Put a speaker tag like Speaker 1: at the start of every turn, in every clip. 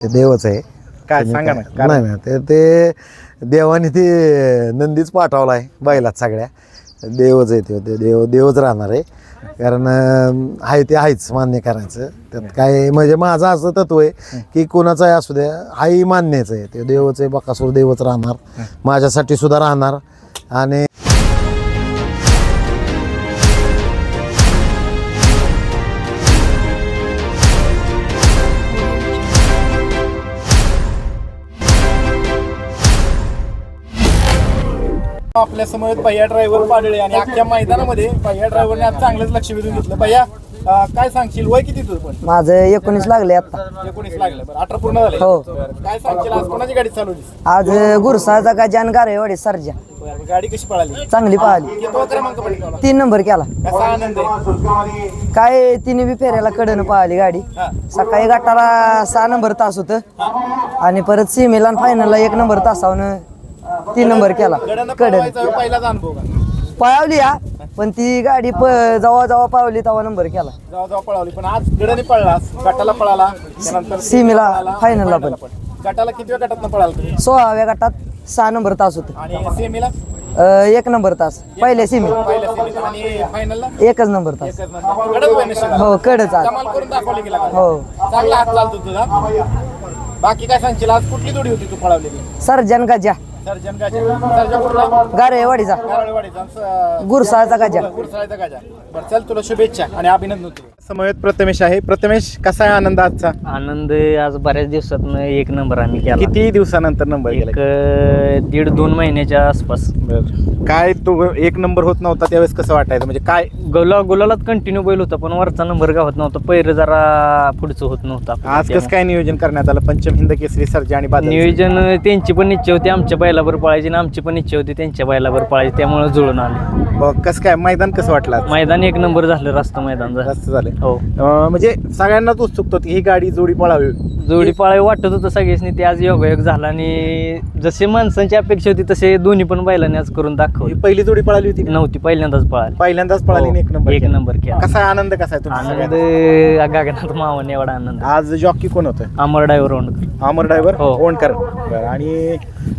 Speaker 1: ते देवच आहे.
Speaker 2: काय सांगा ना कारण?
Speaker 1: नाही ना ते देवाने ते नंदीच पाठवला आहे बैलात सगळ्या. देवच आहे ते देवच राहणार आहे. कारण आहे ते आहेच मान्य करायचं त्यात काय. म्हणजे माझं असं तत्व आहे की कोणाचाही असू द्या हाही मान्यच आहे. ते देवच आहे. बकासूर देवच राहणार माझ्यासाठी सुद्धा राहणार. आणि
Speaker 2: आपल्या समोर भैया ड्रायव्हर पाडळे आणि अख्ख्या मैदानामध्ये भैया ड्रायव्हरने आज चांगलंच लक्ष वेधून घेतलं. भैया काय सांगशील, वय किती तुझं? पण
Speaker 3: माझं 19 लागले आता.
Speaker 2: 19 लागलं. बरं 18 पूर्ण झाले.
Speaker 3: हो.
Speaker 2: काय सांगशील, आज कोणाची गाडी चालवली?
Speaker 3: आज गुरसाचा गजान गारेवाडी सर्जा
Speaker 2: गाडी कशी पळाली?
Speaker 3: चांगली पळाली.
Speaker 2: कितवा क्रमांक पडला?
Speaker 3: 3 नंबर केला.
Speaker 2: कसा आनंद आहे?
Speaker 3: काय तिने बी फेऱ्याला कडनं पळाली गाडी. सकाळी गटाला 6 नंबर तास होतं आणि परत सीमेला आणि फायनलला 1 नंबर तासावनं 3 नंबर केला.
Speaker 2: गडानं
Speaker 3: कडन
Speaker 2: पळवायचा पहिलाच अनुभव का?
Speaker 3: पळावली हा, पण ती गाडी जवळ पळवली तेव्हा नंबर केला.
Speaker 2: जेव्हा पळवली, पण आज गडाने पळला, गटाला पळाला, त्यानंतर
Speaker 3: सीमेला,
Speaker 2: पळाला,
Speaker 3: फायनलला पण.
Speaker 2: गटाला किती गटात पळाला तुम्ही?
Speaker 3: 16व्या गटात 6 नंबर तास होतं.
Speaker 2: आणि सेमीला
Speaker 3: 1 नंबर तास पहिल्या सीमे,
Speaker 2: पहिल्या सेमीत आणि फायनलला
Speaker 3: 1च नंबर तास.
Speaker 2: एकच नंबर. गडच होय नशिबात.
Speaker 3: हो कडच आज.
Speaker 2: कमाल करून दाखवली गेला.
Speaker 3: हो.
Speaker 2: चांगला हात चालतो तुझा. बाकी काय सांगशील, आज कुठली जोडी होती तू पळवलेली?
Speaker 3: सर्जन गजा
Speaker 2: सर्जन सर्जा कुठला?
Speaker 3: गारेवाडीचा
Speaker 2: गारळवाडीचा.
Speaker 3: गुरसाळचा गजा.
Speaker 2: गुरसाळ्याचा गाजा. बरं चल, तुला शुभेच्छा आणि अभिनंदन. समवेत प्रथमेश आहे. प्रथमेश, कसा आहे आनंद आजचा?
Speaker 4: आनंद आज बऱ्याच दिवसातनं 1 नंबर आम्ही केला.
Speaker 2: किती दिवसानंतर नंबर
Speaker 4: एक
Speaker 2: गेला?
Speaker 4: 1.5-2 महिन्याच्या आसपास.
Speaker 2: काय तो 1 नंबर होत नव्हता त्यावेळेस कसं वाटायचं? म्हणजे काय
Speaker 4: गुलालात कंटिन्यू बैल होता, पण वरचा नंबर गावत नव्हता. पहिरं जरा पुढचं होत नव्हतं.
Speaker 2: आज कसं काय नियोजन करण्यात आलं? पंचम हिंद केसरी सर्जा आणि बादल.
Speaker 4: नियोजन त्यांची पण इच्छा होती आमच्या बैलावर पळायची आणि आमची पण इच्छा होती त्यांच्या बैलावर पळायची, त्यामुळे जुळून आले.
Speaker 2: कसं काय मैदान कसं वाटलं आज?
Speaker 4: मैदान 1 नंबर झालं. रास्त मैदान झालं.
Speaker 2: जास्त झालं.
Speaker 4: हो.
Speaker 2: म्हणजे सगळ्यांनाच उत्सुकता होती ही गाडी जोडी पळावी.
Speaker 4: जोडी पळावी वाटत होतं सगळ्यांनी. ते आज योगायोग झाला आणि जसे माणसांची अपेक्षा होती तसे दोन्ही पण बैलांनी आज करून
Speaker 2: ही
Speaker 4: दाखवली.
Speaker 2: पहिली जोडी पळाली होती?
Speaker 4: नव्हती, पहिल्यांदाच पळाली.
Speaker 2: पहिल्यांदाच पळाली आणि 1 नंबर
Speaker 4: 1
Speaker 2: केला.
Speaker 4: नंबर केला.
Speaker 2: कसा आनंद, कसा आहे तुमचा
Speaker 4: आनंद
Speaker 2: सगळ्यांचा?
Speaker 4: गगनात मावणे एवढा आनंद.
Speaker 2: आज जॉकी कोण होतं?
Speaker 4: अमर ड्रायव्हर ओंडकर.
Speaker 2: अमर ड्रायव्हर
Speaker 4: हो.
Speaker 2: ओणकर. बरं. आणि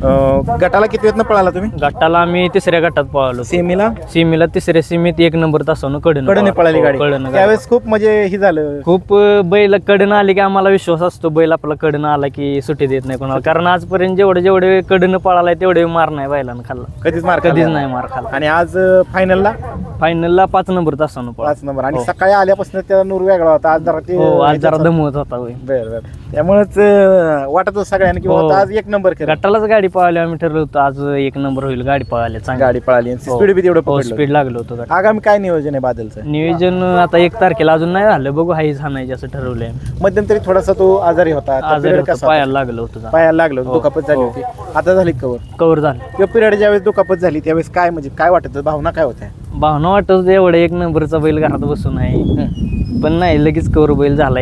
Speaker 2: गटाला किती वेळेत पळाला तुम्ही?
Speaker 4: गटाला आम्ही 3ऱ्या गटात पळालो.
Speaker 2: सेमीला?
Speaker 4: सीमेला 3ऱ्या सीमेत 1 नंबर तासावनं
Speaker 2: कडने पळाली गाडी. त्यावेळेस खूप म्हणजे ही झालं.
Speaker 4: खूप बैल कडनं आले की आम्हाला विश्वास असतो बैल आपला कडनं आला की सुट्टी देत नाही कोणाला. कारण आजपर्यंत जेवढे कडनं पळालाय तेवढे मार नाही बैलानं खाल्ला.
Speaker 2: कधीच मार
Speaker 4: कधीच
Speaker 2: खाल्ला.
Speaker 4: नाही मार खाल्ला.
Speaker 2: आणि आज फायनलला
Speaker 4: फायनलला 5 नंबर तासानं पळा.
Speaker 2: 5 नंबर. आणि
Speaker 4: हो.
Speaker 2: सकाळी आल्यापासून त्याचा नूर वेगळा होता. आज जरा ते
Speaker 4: हो, आज जरा दमवत होता होय.
Speaker 2: बरं. त्यामुळेच वाटत होतं सगळ्यांना की
Speaker 4: हो.
Speaker 2: बाबा आज 1 नंबर केला.
Speaker 4: गटालाच गाडी पळाली. आम्ही ठरवलं होतं आज 1 नंबर होईल. गाडी पळाली चांगली.
Speaker 2: गाडी पळाली. स्पीड बी तेवढं पकडलं.
Speaker 4: स्पीड लागलं होतं गाडी.
Speaker 2: आगामी काय नियोजन आहे बादलचं?
Speaker 4: नियोजन आता 1 तारखेला अजून नाही झालं. बघू हाईच हाणायची असं ठरवलंय.
Speaker 2: मध्यंतरी थोडासा तो आजारी होता.
Speaker 4: आजारी होतं,
Speaker 2: कसा
Speaker 4: पायाला लागलं होतं.
Speaker 2: पायाला लागलं होतं,
Speaker 4: हो.
Speaker 2: दुखापत झाली
Speaker 4: हो.
Speaker 2: होती. आता झाली कवर
Speaker 4: कव्हर झालं.
Speaker 2: किंवा पिरियड ज्यावेळेस दुखापत झाली त्यावेळेस काय म्हणजे काय वाटत होतं? भावना काय होत्या?
Speaker 4: भावना वाटत होतं एवढं 1 नंबरचा बैल घरात बसून आहे, पण नाही लगेच कव्हर बैल झाला.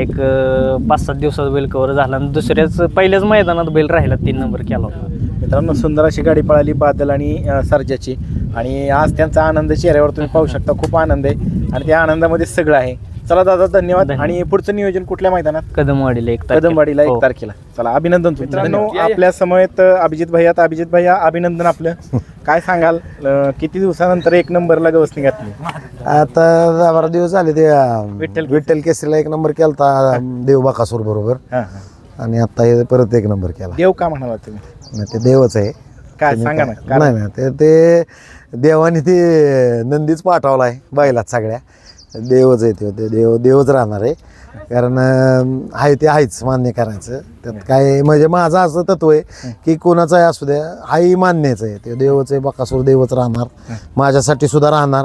Speaker 4: 5-7 दिवसात बैल कव्हर झाला आणि पहिल्याच मैदानात बैल राहिला. 3 नंबर केला होता.
Speaker 2: मित्रांनो, सुंदर अशी गाडी पळाली बादल आणि सर्जाची. आणि आज त्यांचा आनंद चेहऱ्यावर तुम्ही पाहू शकता. खूप आनंद आहे आणि त्या आनंदामध्ये सगळं आहे. चला दादा, धन्यवाद. आणि पुढचं नियोजन कुठल्या मैदानात?
Speaker 4: कदमवाडीला 1
Speaker 2: कदमवाडीला 1
Speaker 4: हो.
Speaker 2: तारखेला. चला, अभिनंदन. मित्रांनो, आपल्या समवेत अभिजित भैया अभिनंदन आपलं. काय सांगाल, किती दिवसानंतर 1 नंबरला गवसणी घातली?
Speaker 1: आता 12 दिवस झाले ते
Speaker 2: विठ्ठल
Speaker 1: विठ्ठल केसरीला 1 नंबर केलता देव बकासूर बरोबर. आणि आता हे परत 1 नंबर केला.
Speaker 2: देव का म्हणाला तुम्ही?
Speaker 1: नाही, ते देवच आहे.
Speaker 2: काय सांगा ना कारण?
Speaker 1: नाही ते देवाने ते नंदीच पाठवला आहे बैलात सगळ्या. देवच आहे ते देवच राहणार आहे. कारण आहे ते आहेच मान्य करायचं त्यात काय. म्हणजे माझं असं तत्व आहे की कोणाचाही असू द्या हाही मान्यच आहे. ते देवच आहे. बकासूर देवच राहणार माझ्यासाठी सुद्धा राहणार.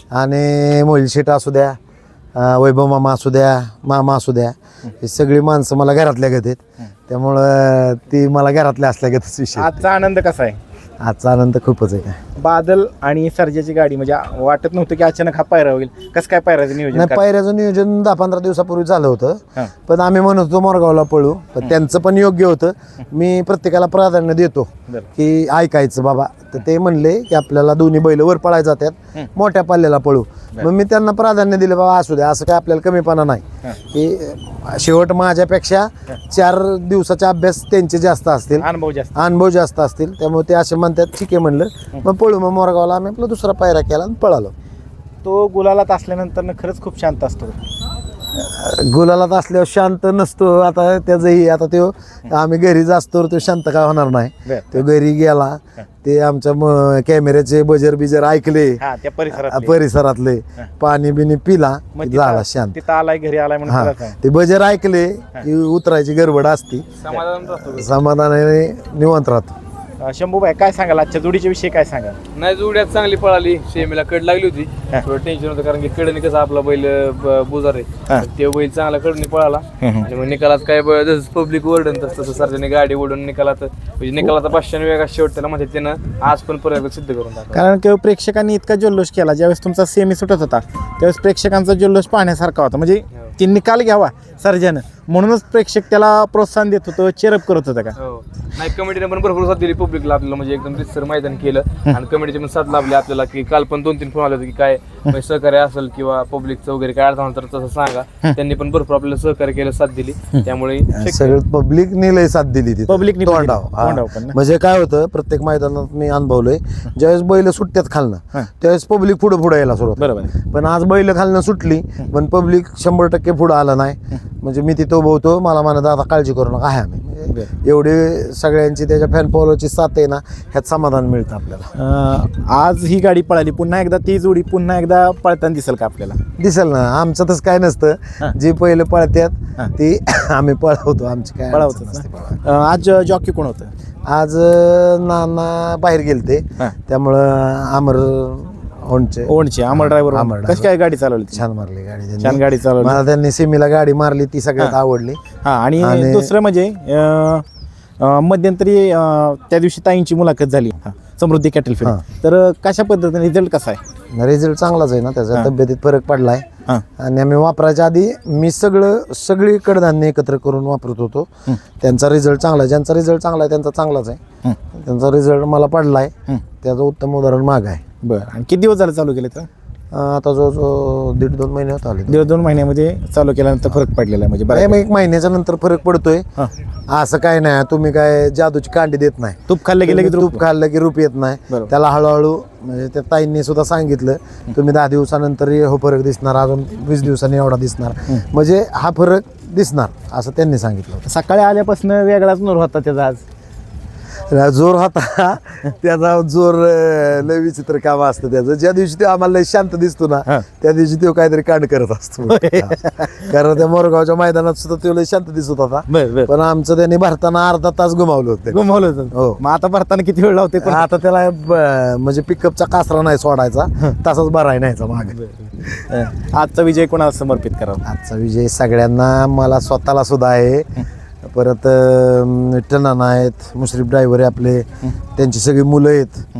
Speaker 1: आणि मोहिल शेट असू द्या, वैभव मामा असू द्या, मामा असू द्या, ही सगळी माणसं मला घरातल्या गत आहेत. त्यामुळं ती मला घरातल्या असल्या गतच विषय.
Speaker 2: आजचा आनंद कसा आहे?
Speaker 1: आजचा आनंद खूपच आहे. काय
Speaker 2: बादल आणि सर्जाची गाडी म्हणजे वाटत नव्हतं की अचानक हा पायरा होईल. कसं काय पायराचं नियोजन
Speaker 1: नाही,
Speaker 2: करता?
Speaker 1: पायऱ्याचं नियोजन 10-15 दिवसापूर्वी झालं होतं.
Speaker 2: हां.
Speaker 1: पण आम्ही म्हणत होतो मोरगावला पळू, पण त्यांचं पण योग्य होतं. मी प्रत्येकाला प्राधान्य देतो
Speaker 2: बरं.
Speaker 1: की ऐकायचं बाबा. तर ते म्हणले की आपल्याला दोन्ही बैल वर पळायला जातात, मोठ्या पल्ल्याला पळू. मग मी त्यांना प्राधान्य दिलं, बाबा असू द्या, असं काय आपल्याला कमीपणा नाही. की शेवट माझ्यापेक्षा 4 दिवसाचा अभ्यास त्यांचे जास्त असतील, अनुभव जास्त असतील, त्यामुळे ते असे म्हणतात ठीक आहे म्हणलं. मग पळू. मग मोरगावला आम्ही आपला दुसरा पायरा केला आणि पळालो.
Speaker 2: तो गुलालात असल्यानंतर खरंच खूप शांत असतो.
Speaker 1: गुलालात असल्यावर शांत नसतो. आता त्याचंही आता तो आम्ही घरी जास्तो तो शांत काय होणार नाही.
Speaker 2: बरं.
Speaker 1: तो घरी गेला, ते आमच्या कॅमेऱ्याचे बजर बिजर ऐकले,
Speaker 2: त्या परिसरात
Speaker 1: परिसरातले पाणी बिनी पिला की झाला शांत.
Speaker 2: तिथं आलाय, घरी आलाय
Speaker 1: हा,
Speaker 2: म्हणून
Speaker 1: ते बजर ऐकले की उतरायची गडबड असती, समाधानाने निवांत राहतो.
Speaker 2: शंभूबाई काय सांगाल आजच्या जोडीच्या विषयी काय सांगाल?
Speaker 5: नाही, जोड्यात चांगली पळाली. शेमीला कड लागली होती, थोडं टेन्शन होतं कारण की कडनी कसं आपला बैल बुजार आहे, ते बैल चांगला कडनी पळाला. आणि मग निकालात काय जसं पब्लिक ओरडन तसं सरकारने गाडी ओढून निकालात म्हणजे निकालाचा 500 वेगळा शेवट त्याला म्हणजे त्यानं आज पण परत सिद्ध करून टाकला.
Speaker 2: कारण की प्रेक्षकांनी इतका जल्लोष केला. ज्यावेळेस तुमचा सेमी सुटत होता त्यावेळेस प्रेक्षकांचा जल्लोष पाहण्यासारखा होता. म्हणजे ती निकाल घ्यावा सर्जानं, म्हणूनच प्रेक्षक त्याला प्रोत्साहन देत होतं, चेअरअप करत होतं का?
Speaker 5: हो, नाही कमिटीने पण भरपूर साथ दिली पब्लिकला आपल्याला, म्हणजे एकदम रितसर मैदान केलं. आणि कमिटीचे पण साथ लाभली आपल्याला की काल पण 2-3 फोन आले होते की काय म्हणजे सहकार्य असेल किंवा पब्लिकचं वगैरे काय अडचण तर तसं सांगा. त्यांनी पण भरपूर आपल्याला सहकार्य केलं, साथ दिली. त्यामुळे
Speaker 1: सगळं पब्लिकने लय साथ दिली तिथे.
Speaker 2: पब्लिकने पण
Speaker 1: तोंडाव.
Speaker 2: दिली.
Speaker 1: हा.
Speaker 2: तोंडाव पण ना.
Speaker 1: म्हणजे काय होतं, प्रत्येक मैदानात मी अनुभवलंय, ज्यावेळेस बैल सुटत्यात खालनं त्यावेळेस पब्लिक पुढे यायला सुरुवात.
Speaker 2: बरोबर आहे.
Speaker 1: पण आज बैल खालनं सुटली पण पब्लिक 100% पुढं आलं नाही. म्हणजे मी तिथं उभं होतो, मला म्हणत आता काळजी करू नका, आहे आम्ही. म्हणजे एवढे सगळ्यांची त्याच्या फॅन फॉलोची साथ आहे ना, ह्यात समाधान मिळतं आपल्याला.
Speaker 2: आज ही गाडी पळाली, पुन्हा एकदा ती जोडी पुन्हा एकदा पळताना दिसेल का आपल्याला?
Speaker 1: दिसेल ना. आमचं तसं काय नसतं, जी पहिले पळत्यात ती आम्ही पळवतो, आमची काय अडचण
Speaker 2: पळावतच
Speaker 1: नसते.
Speaker 2: ना. आज जॉकी कोण होतं?
Speaker 1: आज नाना बाहेर गेलते, त्यामुळं अमर ओणचे
Speaker 2: ओणचे अमर ड्रायव्हर. कशी काय गाडी चालवली?
Speaker 1: छान मारली गाडी त्यांनी.
Speaker 2: छान गाडी चालवली.
Speaker 1: मला त्यांनी सेमीला गाडी मारली, ती सगळ्यात आवडली.
Speaker 2: हा, आणि दुसरं म्हणजे मध्यंतरी त्या दिवशी ताईंची मुलाखत झाली समृद्धी कॅटल फीड. तर कशा पद्धतीने रिझल्ट कसा आहे?
Speaker 1: रिझल्ट चांगलाच आहे ना त्याचा. तब्येतीत फरक पडलाय. आणि आम्ही वापरायच्या आधी मी सगळी कडधान्य एकत्र करून वापरत होतो. त्यांचा रिझल्ट चांगला आहे. ज्यांचा रिझल्ट चांगला आहे त्यांचा चांगलाच आहे. त्यांचा रिझल्ट मला पडलाय, त्याचं उत्तम उदाहरण माग आहे.
Speaker 2: बरं. आणि किती दिवस झाले चालू केले? तर
Speaker 1: आता जो 1.5-2 महिने होत आले.
Speaker 2: 1.5-2 महिन्यामध्ये चालू केल्यानंतर फरक पडलेला आहे. म्हणजे
Speaker 1: मग 1 महिन्याच्या नंतर फरक पडतोय. असं काय नाही, तुम्ही काय जादूची कांडी देत नाही.
Speaker 2: तूप खाल्लं की लगेच
Speaker 1: तूप खाल्लं की रूप येत नाही.
Speaker 2: बरोबर.
Speaker 1: त्याला हळूहळू म्हणजे त्या ताईंनी सुद्धा सांगितलं, तुम्ही 10 दिवसानंतर हो फरक दिसणार, अजून 20 दिवसांनी एवढा दिसणार, म्हणजे हा फरक दिसणार असं त्यांनी सांगितलं होतं.
Speaker 2: सकाळी आल्यापासून वेगळाच नूर होता त्याचा. आज
Speaker 1: जोर होता त्याचा जोर. लय विचित्र काम असतं त्याचं. ज्या दिवशी ते आम्हाला लय शांत दिसतो ना, त्या दिवशी तो काहीतरी कांड करत असतो. कारण त्या मोरगावच्या मैदानात सुद्धा तो लय शांत दिसत होता. पण आमचं त्यांनी भरताना अर्धा तास घुमावलं होतं.
Speaker 2: हो. मग आता भरताना किती वेळ लावते?
Speaker 1: पण आता त्याला म्हणजे पिकअपचा कासरा नाही सोडायचा, तसाच बराय नाहीचा माग.
Speaker 2: आजचा विजय कोणाला समर्पित करावा?
Speaker 1: आजचा विजय सगळ्यांना, मला स्वतःला सुद्धा आहे. परत टनाना आहेत, मुश्रीफ ड्रायव्हर आहे आपले, त्यांची सगळी मुलं आहेत.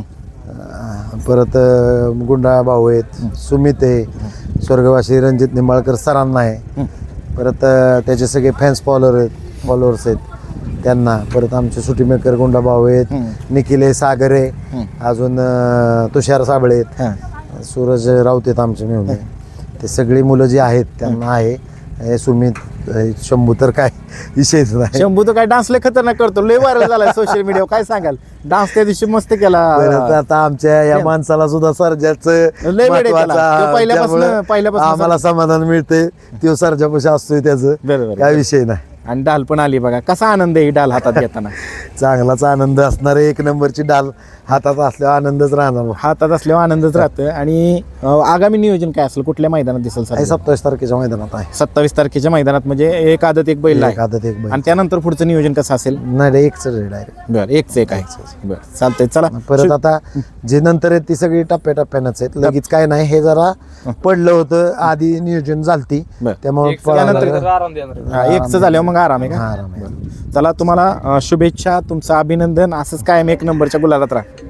Speaker 1: परत गुंडा भाऊ आहेत, सुमित आहे, स्वर्गवासी रणजित निंबाळकर सरांना आहे. परत त्याचे सगळे फॉलोअर्स आहेत त्यांना. परत आमचे सुटी मेकर गुंडा भाऊ आहेत, निखिल आहे, सागर आहे, अजून तुषार साबळे आहेत, सूरज राऊत आहेत आमचे मेहुणे. ते सगळी मुलं जी आहेत त्यांना आहे. सुमित, शंभू तर काय विषयच नाही.
Speaker 2: शंभू तर काय डान्स लय खतरनाक करतो, लय व्हायरल झालाय सोशल मीडियावर. काय सांगाल? डान्स त्या दिवशी मस्त केला.
Speaker 1: आता आमच्या या माणसाला सुद्धा सर्जाचं
Speaker 2: लय वेळ केला. तो पहिल्यापासून
Speaker 1: आम्हाला समाधान मिळते. तो सर्जापाशी असतोय, त्याचं काय विषय नाही.
Speaker 2: आणि डाल पण आली बघा. कसा आनंद आहे ही डाल हातात घेताना?
Speaker 1: चांगलाच आनंद असणार आहे. 1 नंबरची डाल हातात असल्यावर आनंदच राहणार.
Speaker 2: हातात असल्यावर आनंदच राहतं. आणि आगामी नियोजन काय असेल? कुठल्या मैदानात दिसेल सर?
Speaker 1: 27 तारखेच्या मैदानात आहे.
Speaker 2: 27 तारखेच्या मैदानात म्हणजे एक आदत एक बैल आहे.
Speaker 1: आदत एक बैल.
Speaker 2: आणि त्यानंतर पुढचं नियोजन कसं असेल?
Speaker 1: नाही, एकच डायरेक्ट.
Speaker 2: बरं, एकच एक आहे. बरं, चालतंय. चला
Speaker 1: परत आता जे नंतर आहेत ती सगळी टप्प्याटप्प्यानंच आहेत. लगेच काय नाही, हे जरा पडलं होतं, आधी नियोजन झालती, त्यामुळे
Speaker 5: आराम देणार.
Speaker 2: एकच झाल्यावर मग आराम आहे का?
Speaker 1: आराम आहे.
Speaker 2: चला, तुम्हाला शुभेच्छा, तुमचं अभिनंदन. असंच कायम 1 नंबरच्या गुलालात राहा.